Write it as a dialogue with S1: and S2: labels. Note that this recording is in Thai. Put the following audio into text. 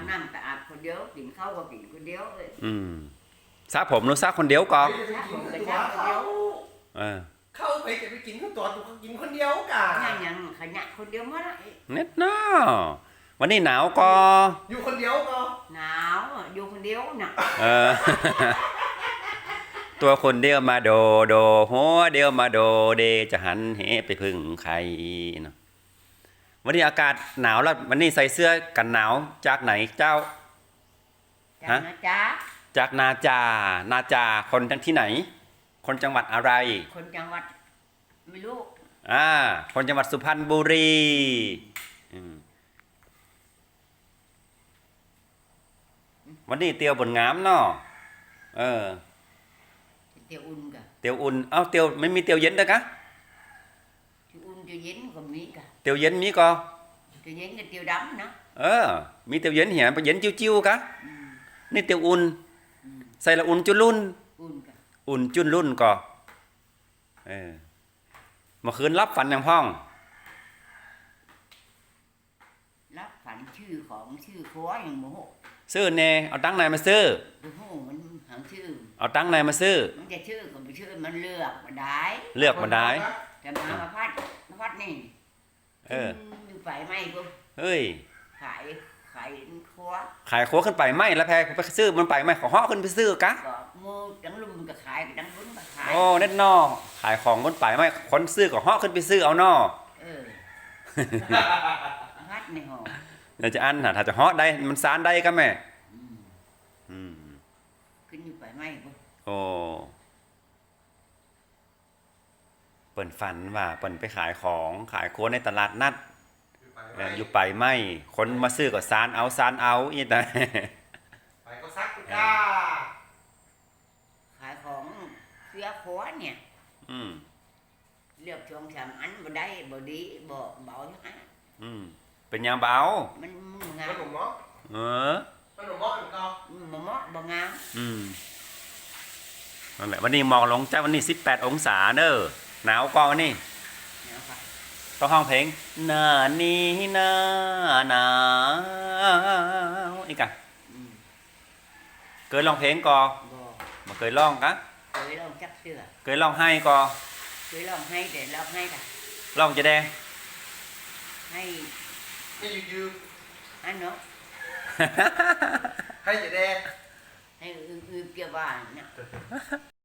S1: น้ำแต่อาบคนเดียวกินข้าวก็กินคนเดียวเลย
S2: ซาผมหรือซาคนเดียวก่อน
S1: ผมก็ซาคนเดียว
S3: เข้าไปจะไปกินข้าวตัวตัวกินคนเดียวกัน
S1: ยังขยันคนเดียวมั้ง
S2: เน็ตเนาะวันนี้หนาวก็
S3: อยู่คนเดียวก็
S1: หนาวอยู่คนเดียวน่ะ
S2: ตัวคนเดียวมาโดหัวเดียวมาโดเดจะหันเหไปพึ่งใครเนาะวันนี้อากาศหนาวแล้ววันนี้ใส่เสื้อกันหนาวจากไหนเจ้า
S1: ฮะ
S2: จากนาจาคนที่ไหนคนจังหวัดอะไร
S1: คนจังหวัดไม่รู้
S2: คนจังหวัดสุพรรณบุรีวันนี้เตียวบนงามเนาะ
S1: เตียวอุ่นกะ
S2: เตียวอุ่นเตียวไม่มีเตียวเย็นด้วยกะ
S1: เตียวอุ่นเตียวเย็นก็มีกะ
S2: เตียวเย็นมีก็
S1: เตียวเย็นกับเตียวดำนะ
S2: มีเตียวเย็นเหี่ยไปเย็นจิ้วๆกะนี่เตียวอุ่นใส่ละอุ่นจุลุ่นอุ่นจุนรุ่นก็เมื่อคืนรับฝันอย่างพ่อง
S1: รับฝันชื่อคัวอย่างโมโห
S2: ซื้อเน่เอาตังค์ไหนมาซื้อ
S1: โอ้โหมันหางชื่อ
S2: เอาตังค์ไหนมาซื้อ
S1: มันจะชื่อก็ไม่ชื่อมันเลือกมาได้แต่มาพัดนี่อยู่ไปไม่ปุ๊บ
S2: เฮ้ย
S1: ขายคัว
S2: ขึ้นไปไม่แล้วแพงไปซื้อมันไปไม่ขอห่อขึ้นไปซื้อกะ
S1: มูดังลุมก็ขายดังลุ้นก็ขาย
S2: เน็ตนอขายของคนไปไม่คนซื้อก็ห่อขึ้นไปซื้อเอานอ
S1: พัดในห่อ
S2: เดี๋ยวจะอันถ้าจะห่อได้มันซานได้ก็แม่
S1: ขึ้นอยู่ไปไม่ปุ๊บ
S2: เปิ่นฝันว่าเปิ่นไปขายของขายโค้ดในตลาดนัดอยู่ไปไม่คนมาซื้อก็ซานเอาอีแต่
S3: ไปก็ซักกุก้า
S1: ขายของเสื้อคัวเนี่ยเลือกช่วงสามอันบ่ได้บ่ดีบ่เบาฮะ
S2: เป็นยังเบา
S1: มันงาม
S3: มันหนุ่มมั้งมันหนุ่มมั้งก็
S1: บ่งาม
S2: นั่นแหละวันนี้หมอกลงจ้าวันนี้18องศาเนอะหนาวกว่าวันนี้ต้องห้องเพลงหน้านี้หน้าหนาวอีกอ่ะเคยร้องเพลงก่อมาเคยร้องกะ
S1: เคยร้องจักเสือ
S2: เคยร้องให้ก่อ
S1: เคยร้องให้แต่ร้องให้ค่ะ
S2: ร้องจะได้
S1: ให้
S3: ยืม
S1: อันเนาะ
S3: ให้จะได้
S1: ให้เกี่ยวบ้านเนี่ย